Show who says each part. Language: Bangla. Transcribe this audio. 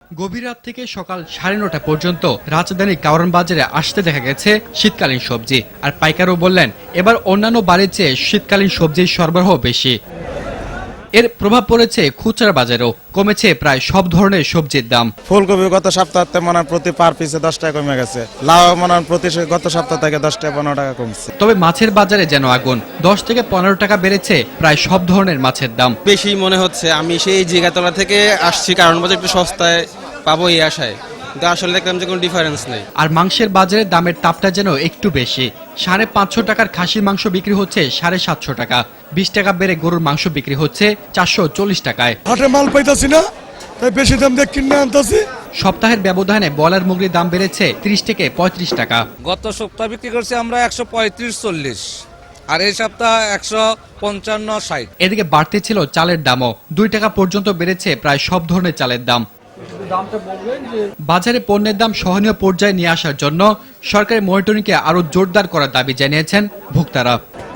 Speaker 1: গভীর রাত থেকে সকাল 9:30 পর্যন্ত রাজধানীর কারওয়ান বাজারে আসতে দেখা গেছে শীতকালীন সবজি। আর পাইকারও বললেন, এবার অন্যান্য বারের চেয়ে শীতকালীন সবজির সরবরাহ বেশি। এর প্রভাব পড়েছে খুচরা বাজারেও, কমেছে প্রায় সব ধরনের সবজির দাম।
Speaker 2: ফুলকপি গত সপ্তাহে মনে প্রতি পার পিসে 10 টাকা কমে গেছে। লাউ মনে প্রতি গত সপ্তাহ থেকে 10 টাকা 15 টাকা কমছে।
Speaker 1: তবে মাছের বাজারে যেন আগুন, 10 থেকে 15 টাকা বেড়েছে প্রায় সব ধরনের মাছের দাম।
Speaker 3: বেশি মনে হচ্ছে। আমি সেই জিগাতলা থেকে আসছি, কারণ বাজার একটু সস্তায় পাবো এই আশায়, কিন্তু আসলে দেখলাম যে কোনো ডিফারেন্স নেই।
Speaker 1: আর মাংসের বাজারে দামের তাপটা যেন একটু বেশি। 550 টাকার খাসির মাংস বিক্রি হচ্ছে 750 টাকা, 20 টাকা বেড়ে গরুর মাংস বিক্রি হচ্ছে 440 টাকায়।
Speaker 4: হাটে মাল পাইতাছি না, তাই বেশি দাম দিয়ে কিনে আনতাছি।
Speaker 1: সপ্তাহের ব্যবধানে ব্রয়লার মুরগির দাম বেড়েছে 30 থেকে 35 টাকা।
Speaker 5: গত সপ্তাহ বিক্রি করছি আমরা 135-40, আর এই সপ্তাহ 155-60।
Speaker 1: এদিকে বাড়তে ছিল চালের দামও, 2 টাকা পর্যন্ত বেড়েছে প্রায় সব ধরনের চালের দাম। বাজারে পণ্যের দাম সহনীয় পর্যায়ে নিয়ে আসার জন্য সরকারি মনিটরিংকে আরো জোরদার করার দাবি জানিয়েছেন ভোক্তারা।